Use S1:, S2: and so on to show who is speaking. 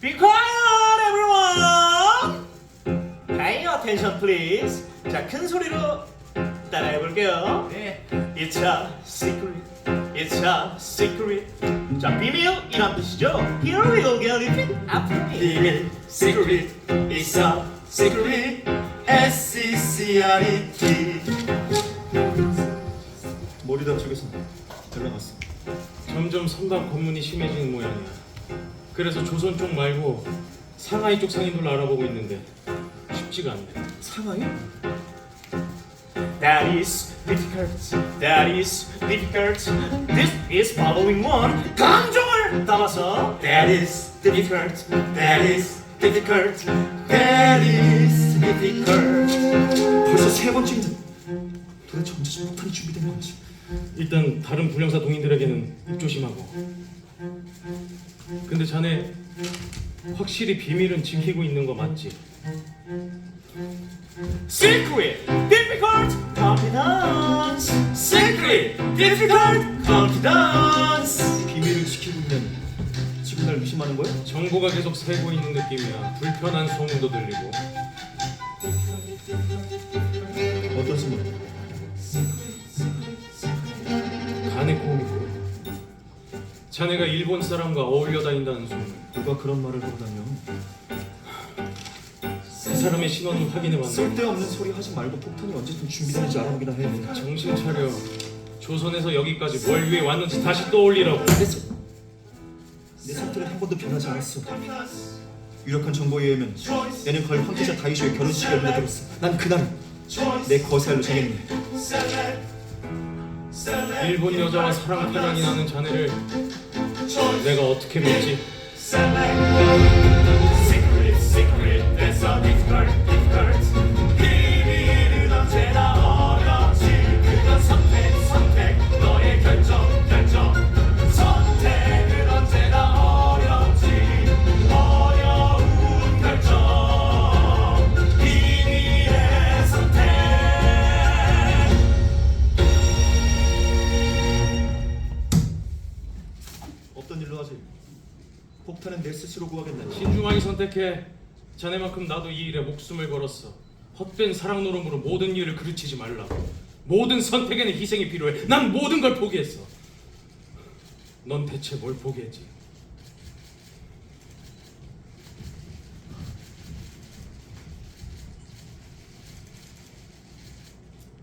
S1: Be quiet, everyone. Pay attention, please. 자, 큰 소리로 따라해 볼게요.
S2: 네.
S1: It's a secret. It's a secret. 자, 비밀이란 뜻이죠. Here we go, get it after me.
S2: 비밀 secret is a secret S-E-C-R-E-T.
S3: 머리다 쪽에서 연락 왔어.
S4: 점점 선박 검문이 심해지는 모양이야. 그래서 조선 쪽 말고 상하이 쪽 상인들로 알아보고 있는데 쉽지가 않네.
S3: 상하이?
S1: That is difficult. That is difficult. This is following one. 감정을 담아서.
S2: That is difficult. That is difficult. That is difficult.
S3: 벌써 세 번째인데 도대체 언제쯤 폭탄이 준비된 건지.
S4: 일단 다른 불량사 동인들에게는 입조심하고. 근데 자네 확실히 비밀은 지키고 있는 거 맞지?
S1: Secret, difficult, confidence.
S2: Secret, difficult, confidence.
S3: 비밀을 지키고 있는 지금 날 의심하는 거야?
S4: 정보가 계속 새고 있는 느낌이야. 불편한 소문도 들리고.
S3: 어떤 소문?
S4: 가네코미코. 자네가 일본 사람과 어울려 다닌다는 소문.
S3: 누가 그런 말을 하고 다녀?
S4: 그 사람의 신원을 확인해봤는데
S3: 쓸데없는 소리 하지 말고 폭탄이 언제쯤 준비되는지 알아보기나 해.
S4: 정신 차려. 조선에서 여기까지 뭘 위해 왔는지 다시 떠올리라고.
S3: 내 상태는 한 번도 변하지 않았어. 유력한 정보에 의하면 내년 가을 황태자 다이쇼의 결혼식에 연락들었어. 난 그날을 내 거세알로 정했네.
S4: 일본 여자와 사랑 파랑이 나는 자네를 내가 어떻게 믿지?
S1: Secret, secret, that's so difficult, difficult. 비밀은 언제나 어렵지. 그건 선택, 선택. 너의 결정, 결정. 선택은 언제나 어렵지. 어려운 결정. 비밀의 선택.
S3: 없던 일로 하지. 폭탄은 내 스스로 구하겠네.
S4: 신중하게 선택해. 자네만큼 나도 이 일에 목숨을 걸었어. 헛된 사랑 노름으로 모든 일을 그르치지 말라고. 모든 선택에는 희생이 필요해. 난 모든 걸 포기했어. 넌 대체 뭘 포기했지?